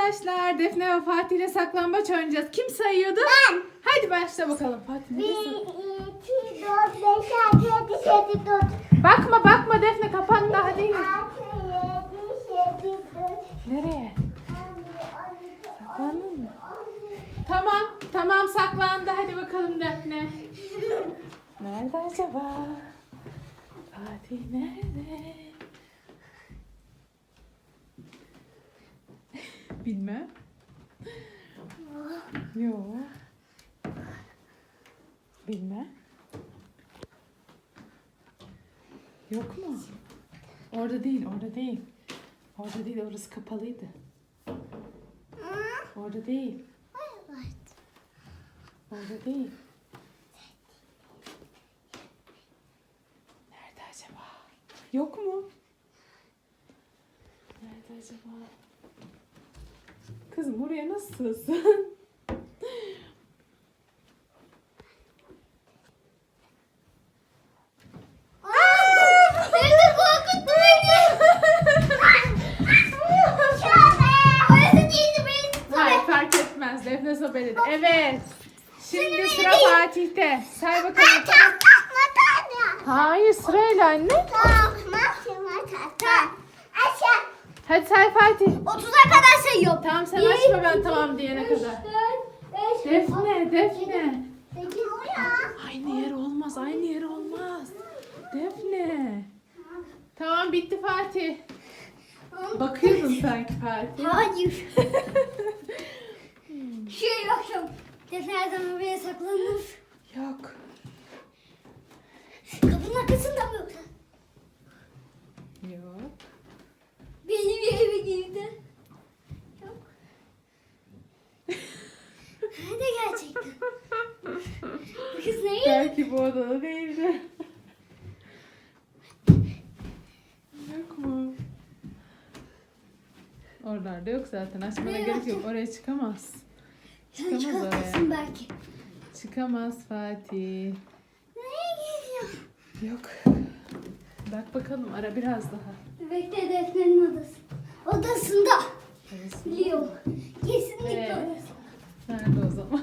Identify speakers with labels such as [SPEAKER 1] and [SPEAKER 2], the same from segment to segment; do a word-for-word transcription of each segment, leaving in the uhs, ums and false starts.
[SPEAKER 1] arkadaşlar. Defne ve Fatih ile saklambaç oynayacağız. Kim sayıyordu?
[SPEAKER 2] Ben.
[SPEAKER 1] Hadi başla bakalım. Fatih ne
[SPEAKER 2] Bir,
[SPEAKER 1] diyorsun?
[SPEAKER 2] iki, dört, beş, altı, yedi, sekiz, dokuz.
[SPEAKER 1] Bakma bakma Defne, kapan daha değil.
[SPEAKER 2] Altı, yedi, sekiz, dokuz.
[SPEAKER 1] Nereye? Saklandın mı? Tamam. Tamam saklandı. Hadi bakalım Defne. Nerede acaba? Fatih nerede? Bilmem. Yok. Bilmem. Yok mu? Orada değil, orada değil. Orada değil, orası kapalıydı. Orada değil. Orada değil. Nerede acaba? Yok mu? Nerede acaba? Kızım buraya nasıl sığsın?
[SPEAKER 2] Beni korkuttu beni. Orası değildi, beni
[SPEAKER 1] Hayır fark etmez. Defne sobeledi. Evet. Şimdi sıra Fatih'te. Say bakalım. Hayır sırayla anne. Hadi say Fatih.
[SPEAKER 2] otuza kadar sayıyorum.
[SPEAKER 1] Tamam sen açma ben tamam diyene kadar. Defne, Defne. Aynı yer olmaz, aynı yer olmaz. Defne. Tamam bitti Fatih. Bakıyordun sanki Fatih.
[SPEAKER 2] Hayır. Şey yoksa Defne her zaman buraya saklanır.
[SPEAKER 1] Yok.
[SPEAKER 2] Kapının arkasında mı yoksa?
[SPEAKER 1] Yok.
[SPEAKER 2] Benim yerime girdi. Yok. Nerede gerçekten? Bu kız ne?
[SPEAKER 1] Belki bu odada değildi. Yok mu? Oralarda yok zaten. Açmana
[SPEAKER 2] Nereye
[SPEAKER 1] gerek yok.
[SPEAKER 2] bakacağım?
[SPEAKER 1] Oraya çıkamaz.
[SPEAKER 2] Sen
[SPEAKER 1] Çıkamaz
[SPEAKER 2] çıkartırsın
[SPEAKER 1] oraya.
[SPEAKER 2] belki.
[SPEAKER 1] Çıkamaz Fatih.
[SPEAKER 2] Nereye gidiyor?
[SPEAKER 1] Yok. Bak bakalım ara biraz daha.
[SPEAKER 2] Bekle Defne'nin odası. Odasında.
[SPEAKER 1] Evet.
[SPEAKER 2] Biliyorum. Kesinlikle
[SPEAKER 1] Ee?
[SPEAKER 2] odası.
[SPEAKER 1] Nerede o zaman?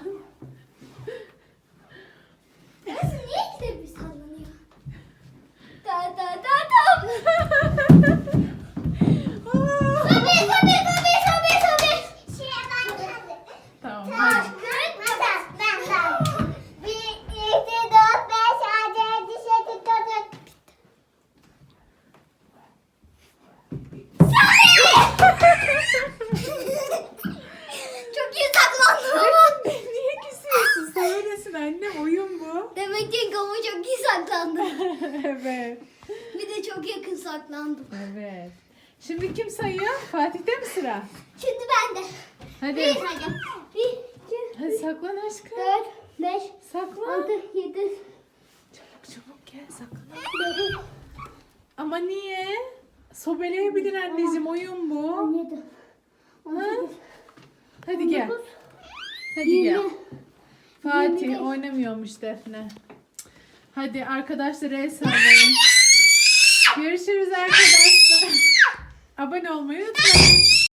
[SPEAKER 2] Nasıl niye gidip bir sallanıyor? Da da da da. Sobe sobe sobe sobe sobe. Şeye ben geldim.
[SPEAKER 1] Tamam hadi.
[SPEAKER 2] Ben ben. Bir, iki, dört, beş, altı, yedi, sekiz, dokuz. Çok iyi saklandım ama.
[SPEAKER 1] Niye küsüyorsun? Söylesin anne oyun bu.
[SPEAKER 2] Demek ki kamu çok iyi saklandı.
[SPEAKER 1] Evet.
[SPEAKER 2] Bir de çok yakın saklandım.
[SPEAKER 1] Evet. Şimdi kim sayıyor? Fatih'te mi sıra?
[SPEAKER 2] Şimdi ben de.
[SPEAKER 1] Hadi.
[SPEAKER 2] Bir sayacağım. Bir, iki,
[SPEAKER 1] Hadi saklan aşkım.
[SPEAKER 2] dört, beş,
[SPEAKER 1] Saklan.
[SPEAKER 2] altı, yedi,
[SPEAKER 1] Çabuk çabuk gel saklan.
[SPEAKER 2] dokuz,
[SPEAKER 1] Ama niye? Sobeleyebilir anneciğim oyun bu.
[SPEAKER 2] on yedi, on
[SPEAKER 1] Ha?
[SPEAKER 2] sekiz,
[SPEAKER 1] Hadi gel.
[SPEAKER 2] on dokuz,
[SPEAKER 1] Hadi gel.
[SPEAKER 2] yirmi.
[SPEAKER 1] Fatih
[SPEAKER 2] yirmi beş.
[SPEAKER 1] oynamıyormuş Defne. Hadi arkadaşlar el sallayın. Görüşürüz arkadaşlar. Abone olmayı unutmayın.